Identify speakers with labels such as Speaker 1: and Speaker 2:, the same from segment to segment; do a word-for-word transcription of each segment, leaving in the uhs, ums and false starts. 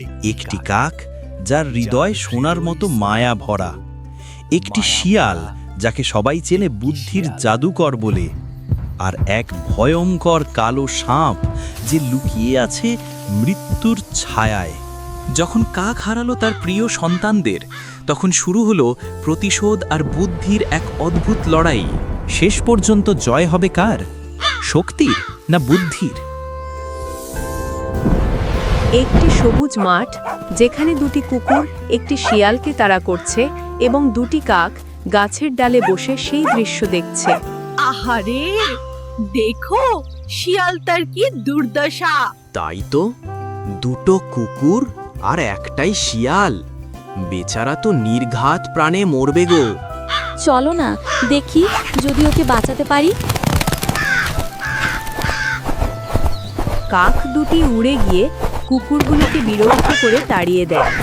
Speaker 1: একটি কাক যার হৃদয় সোনার মতো মায়া ভরা, একটি শিয়াল যাকে সবাই চেনে বুদ্ধির জাদুকর বলে, আর এক ভয়ঙ্কর কালো সাপ যে লুকিয়ে আছে মৃত্যুর ছায়ায়।
Speaker 2: যখন কাক হারালো তার প্রিয় সন্তানদের, তখন শুরু হলো প্রতিশোধ আর বুদ্ধির এক অদ্ভুত লড়াই।
Speaker 1: শেষ পর্যন্ত জয় হবে কার, শক্তির না বুদ্ধির?
Speaker 3: একটি সবুজ মাঠ, যেখানে দুটি কুকুর একটি শিয়ালকে তাড়া করছে এবং দুটি কাক গাছের ডালে বসে সেই দৃশ্য দেখছে।
Speaker 4: আহারে, দেখো শিয়ালটার কি দুর্দশা!
Speaker 5: তাই তো, দুটো কুকুর আর একটাই শিয়াল, বেচারা তো নির্ঘাত প্রাণে মরবে গো।
Speaker 6: চলো না দেখি যদি ওকে বাঁচাতে পারি।
Speaker 3: কাক দুটি উড়ে গিয়ে কুকুরগুলোকে বিরক্ত করে তাড়িয়ে দেয়।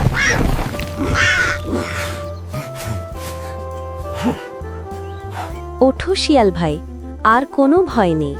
Speaker 6: ওঠো শিয়াল ভাই, আর কোনো ভয় নেই।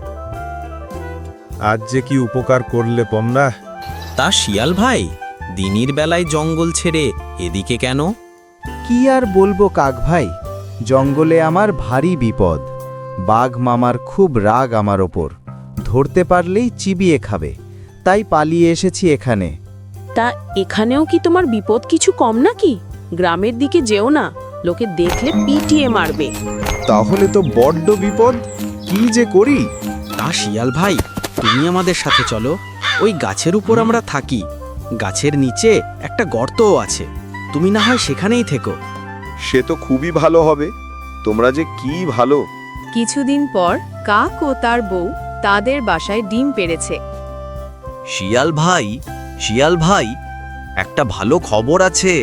Speaker 7: আজ যে কি উপকার করলে তোমরা।
Speaker 1: তা শিয়াল ভাই, দিনের বেলায় জঙ্গল ছেড়ে এদিকে কেন?
Speaker 8: কি আর বলবো কাক ভাই, জঙ্গলে আমার ভারী বিপদ। বাঘ মামার খুব রাগ আমার ওপর, ধরতে পারলেই চিবিয়ে খাবে, তাই পালিয়ে এসেছি এখানে।
Speaker 4: তা এখানেও কি তোমার বিপদ কিছু কম নাকি? গ্রামের দিকে যেও না, লোকে দেখলে পিটিয়ে মারবে।
Speaker 7: তাহলে তো বড্ড বিপদ, কি যে করি।
Speaker 5: তা শিয়াল ভাই, তুমি আমাদের সাথে চলো, ওই গাছের উপর আমরা থাকি। গাছের নিচে একটা গর্তও আছে, তুমি না হয় সেখানেই থেকো।
Speaker 7: সে তো খুবই ভালো হবে, তোমরা যে কি ভালো।
Speaker 3: কিছুদিন পর কাক ও তার বউ তাদের বাসায় ডিম পেড়েছে।
Speaker 1: শিয়াল ভাই, শিয়াল ভাই, একটা ভালো খবর আছে।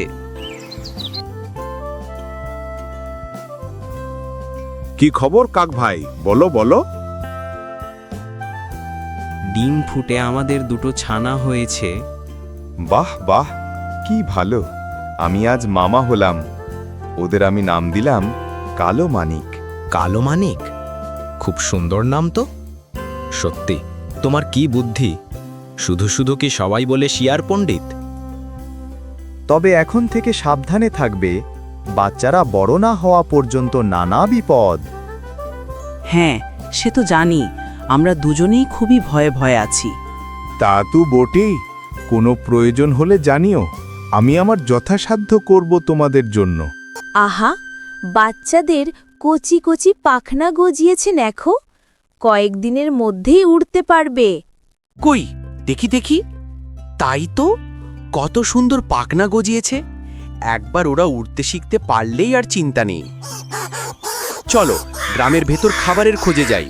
Speaker 7: কি খবর কাক ভাই, বলো বলো।
Speaker 5: ডিম ফুটে আমাদের দুটো ছানা হয়েছে।
Speaker 7: বাহ বাহ, কি ভালো। আমি আজ মামা হলাম। ওদের আমি নাম দিলাম কালো মানিক।
Speaker 5: কালো মানিক, খুব সুন্দর নাম তো। সত্যি, তোমার কি বুদ্ধি! শুধু শুধু কি সবাই বলে শিয়ার পণ্ডিত?
Speaker 8: তবে এখন থেকে সাবধানে থাকবে, বাচ্চারা বড় না হওয়া পর্যন্ত নানা বিপদ।
Speaker 9: হ্যাঁ, সে তো জানি, আমরা দুজনেই খুবই ভয়ে ভয়ে আছি।
Speaker 7: তা তো বটেই, কোনো প্রয়োজন হলে জানিও, আমি আমার যথাসাধ্য করব তোমাদের জন্য।
Speaker 6: আহা, বাচ্চাদের কচি কচি পাখনা গজিয়েছে দেখো, কয়েকদিনের মধ্যেই উড়তে পারবে।
Speaker 5: কই দেখি দেখি, তাই তো, কত সুন্দর পাখনা গজিয়েছে। একবার ওরা উড়তে শিখতে পারলেই আর চিন্তা নেই। চলো গ্রামের ভেতর খাবারের খোঁজে যাই।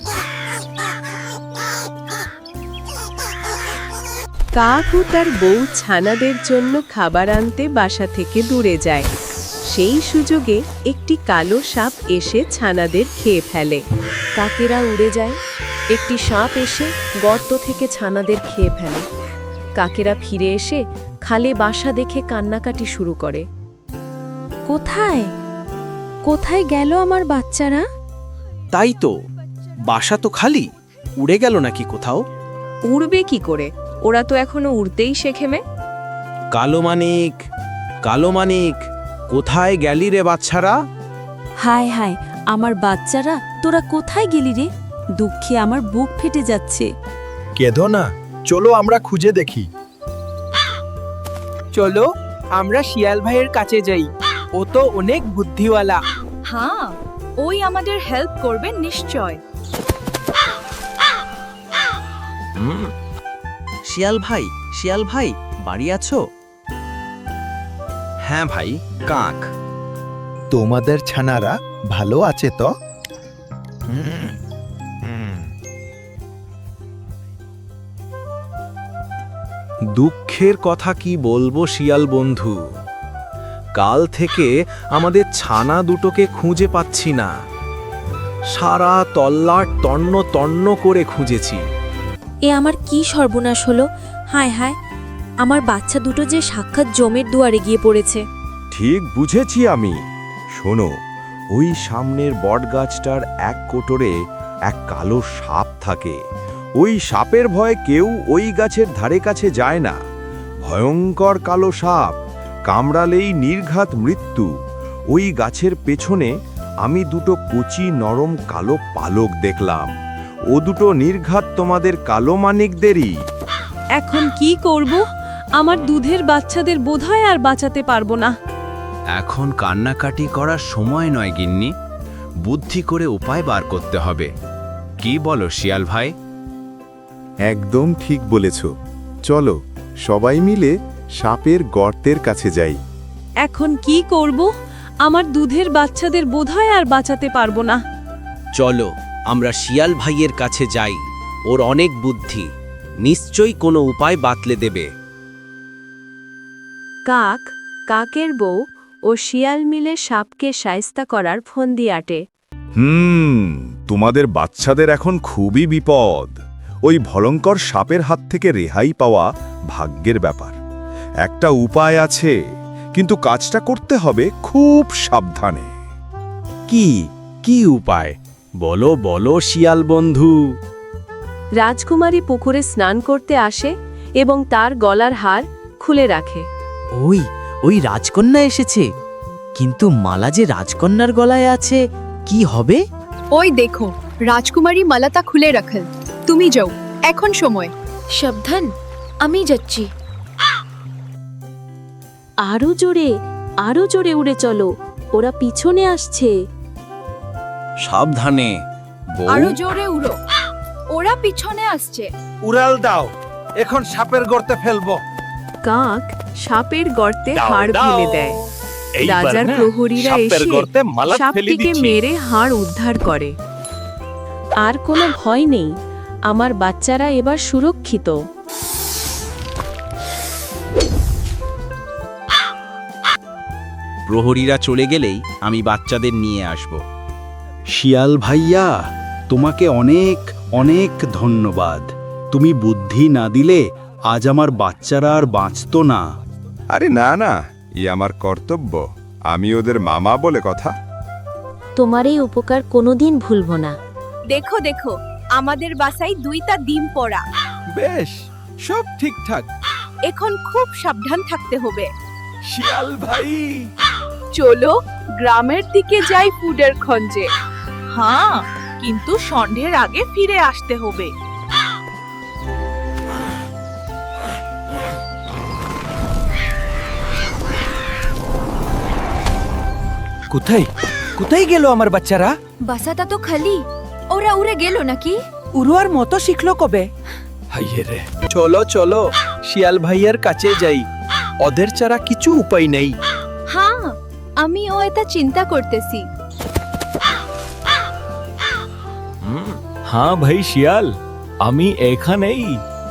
Speaker 3: কাক ও তার বউ ছানাদের জন্য খাবার আনতে বাসা থেকে দূরে যায়। সেই সুযোগে একটি কালো সাপ এসে ছানাদের খেয়ে ফেলে।
Speaker 6: কাকেরা উড়ে যায়, একটি সাপ এসে গর্ত থেকে ছানাদের খেয়ে ফেলে। কাকেরা ফিরে এসে খালে বাসা দেখে কান্নাকাটি শুরু করে। কোথায় কোথায় গেল আমার বাচ্চারা?
Speaker 5: তাই তো, বাসা তো খালি, উড়ে গেল নাকি কোথাও?
Speaker 3: উড়বে কি করে, ওরা তো এখনো উড়তেই শেখেমে।
Speaker 5: কালো মানিক, কালো মানিক, কোথায় গেলি রে বাচ্চারা?
Speaker 6: হায় হায়, আমার বাচ্চারা, তোরা কোথায় গেলি রে? দুঃখে আমার বুক ফেটে যাচ্ছে।
Speaker 10: কেঁদো না, চলো আমরা খুঁজে দেখি।
Speaker 9: চলো আমরা শিয়াল ভাইয়ের কাছে যাই, ও তো অনেক বুদ্ধিওয়ালা।
Speaker 4: হ্যাঁ, ওই আমাদের হেল্প করবে নিশ্চয়।
Speaker 5: শিয়াল ভাই, শিয়াল ভাই, বাড়ি আছো? হ্যাঁ ভাই, কাক।
Speaker 10: তোমাদের ছানারা ভালো আছে তো?
Speaker 1: দুঃখের কথা কি বলবো শিয়াল বন্ধু, কাল থেকে আমাদের ছানা দুটোকে খুঁজে পাচ্ছি না। সারা তল্লাট তন্ন তন্ন করে খুঁজেছি।
Speaker 6: এ আমার কি সর্বনাশ হলো! হায় হায়, আমার বাচ্চা দুটো যে সাক্ষাৎ জমের দুয়ারে গিয়ে পড়েছে।
Speaker 7: ঠিক বুঝেছি আমি। শোনো, ওই সামনের বটগাছটার এক কোটরে এক কালো সাপ থাকে। ওই সাপের ভয়ে কেউ ওই গাছের ধারে কাছে যায় না। ভয়ঙ্কর কালো সাপ, কামড়ালেই নির্ঘাত মৃত্যু। ওই গাছের পেছনে আমি দুটো কচি নরম কালো পালক দেখলাম। ও দুটো নির্ঘাত তোমাদের কালো মানিকদেরই।
Speaker 6: এখন কি করব? আমার দুধের বাচ্চাদের বোধহয় আর বাঁচাতে পারবো না।
Speaker 5: এখন কান্নাকাটি করার সময় নয় গিন্নি, বুদ্ধি করে উপায় বার করতে হবে। কি বলো শিয়াল ভাই?
Speaker 7: একদম ঠিক বলেছ। চলো সবাই মিলে সাপের গর্তের কাছে যাই।
Speaker 6: এখন কি করব? আমার দুধের বাচ্চাদের বোধহয় আর বাঁচাতে পারবো না।
Speaker 2: চলো আমরা শিয়াল ভাইয়ের কাছে যাই, ওর অনেক বুদ্ধি, নিশ্চয়ই কোনো উপায় বাতলে দেবে।
Speaker 3: কাক, কাকের বউ ও শিয়াল মিলে সাপকে শায়েস্তা করার ফন্দি আটে।
Speaker 7: হুম তোমাদের বাচ্চাদের এখন খুবই বিপদ। ওই ভয়ঙ্কর সাপের হাত থেকে রেহাই পাওয়া ভাগ্যের ব্যাপার। একটা উপায় আছে, কিন্তু কাজটা করতে হবে খুব সাবধানে।
Speaker 1: কি কি উপায়? বলো বলো শিয়াল বন্ধু।
Speaker 3: রাজকুমারী পুকুরে স্নান করতে আসে এবং তার গলার হার খুলে রাখে।
Speaker 9: ওই ওই রাজকন্যা এসেছে, কিন্তু মালা যে রাজকন্যার গলায় আছে, কি হবে?
Speaker 11: ওই দেখো, রাজকুমারী মালাটা খুলে রাখেন। তুমি যাও, এখন সময়।
Speaker 6: সাবধান, আমি যাচ্ছি।
Speaker 4: আরো জোরে, আরো জোরে উড়ে চলো, ওরা পিছনে আসছে।
Speaker 2: সাবধানে
Speaker 11: আরো জোরে উড়ো, ওরা পিছনে আসছে।
Speaker 10: উড়াল দাও, এখন সাপের গর্তে ফেলবো।
Speaker 3: কাক সাপের গর্তে হাড় ফেলে দেয়। রাজার প্রহরীরা এসে সাপটিকে মেরে হাড় উদ্ধার করে।
Speaker 4: আর কোনো ভয় নেই, আমার বাচ্চারা এবার সুরক্ষিত।
Speaker 1: প্রহরীরা চলে গেলেই আমি বাচ্চাদের নিয়ে আসব। শিয়াল ভাইয়া, তোমাকে অনেক অনেক ধন্যবাদ। তুমি বুদ্ধি না দিলে আজ আমার বাচ্চারা আর বাঁচত না।
Speaker 7: আরে না না, ই আমার কর্তব্য। আমি ওদের মামা বলে কথা।
Speaker 4: তোমার এই উপকার কোনোদিন ভুলবো না।
Speaker 11: দেখো দেখো, আমাদের বাসায় দুইটা ডিম পড়া।
Speaker 10: বেশ, সব ঠিকঠাক।
Speaker 11: এখন খুব সাবধান থাকতে হবে।
Speaker 10: শিয়াল ভাই,
Speaker 11: চলো গ্রামের দিকে যাই ফুডের খোঁজে। হ্যাঁ, কিন্তু সন্ধ্যের আগে ফিরে আসতে হবে।
Speaker 10: কোথায় কোথায় গেল আমার বাচ্চারা?
Speaker 11: বাসাটা তো খালি, ওরা উড়ে গেল নাকি?
Speaker 9: উড়োয়ার মতো শিখলো কবে?
Speaker 10: হাইয়ে রে, চলো চলো শিয়াল ভাইয়ের কাছে যাই। ওদের ছাড়া কিছু উপায় নেই।
Speaker 11: হ্যাঁ, আমিও এটা চিন্তা করতেছি।
Speaker 10: হ্যাঁ ভাই শিয়াল, আমি এখানেই।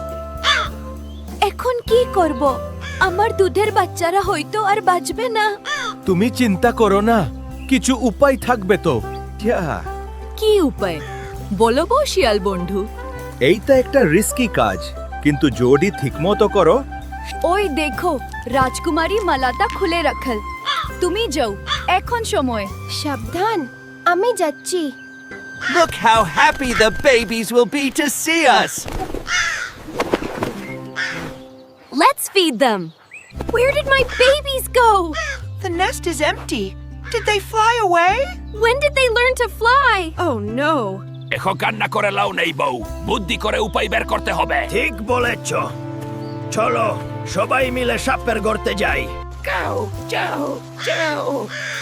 Speaker 11: এখন কি করব? আমার দুধের বাচ্চারা হয়তো আর বাঁচবে না।
Speaker 10: তুমি চিন্তা করো না, কিছু উপায় থাকবে তো।
Speaker 11: কি উপায় বলো গো শিয়াল বন্ধু?
Speaker 10: এইটা একটা রিস্কি কাজ, কিন্তু যদি ঠিকমতো করো।
Speaker 11: ওই দেখো, রাজকুমারী মালাটা খুলে রাখল। তুমি যাও, এখন সময়। সাবধান, আমি যাচ্ছি।
Speaker 10: Look how happy the babies will be to see us.
Speaker 11: Let's feed them. Where did my babies go?
Speaker 9: The nest is empty. Did they fly away?
Speaker 11: When did they learn to fly?
Speaker 3: Oh no!
Speaker 12: এখন কান্না করে লাও নেই বউ, বুদ্ধি করে উপায় বের করতে হবে।
Speaker 10: ঠিক বলেছ। চলো সবাই মিলে সাপের গর্তে যাই।
Speaker 12: যাও যাও যাও।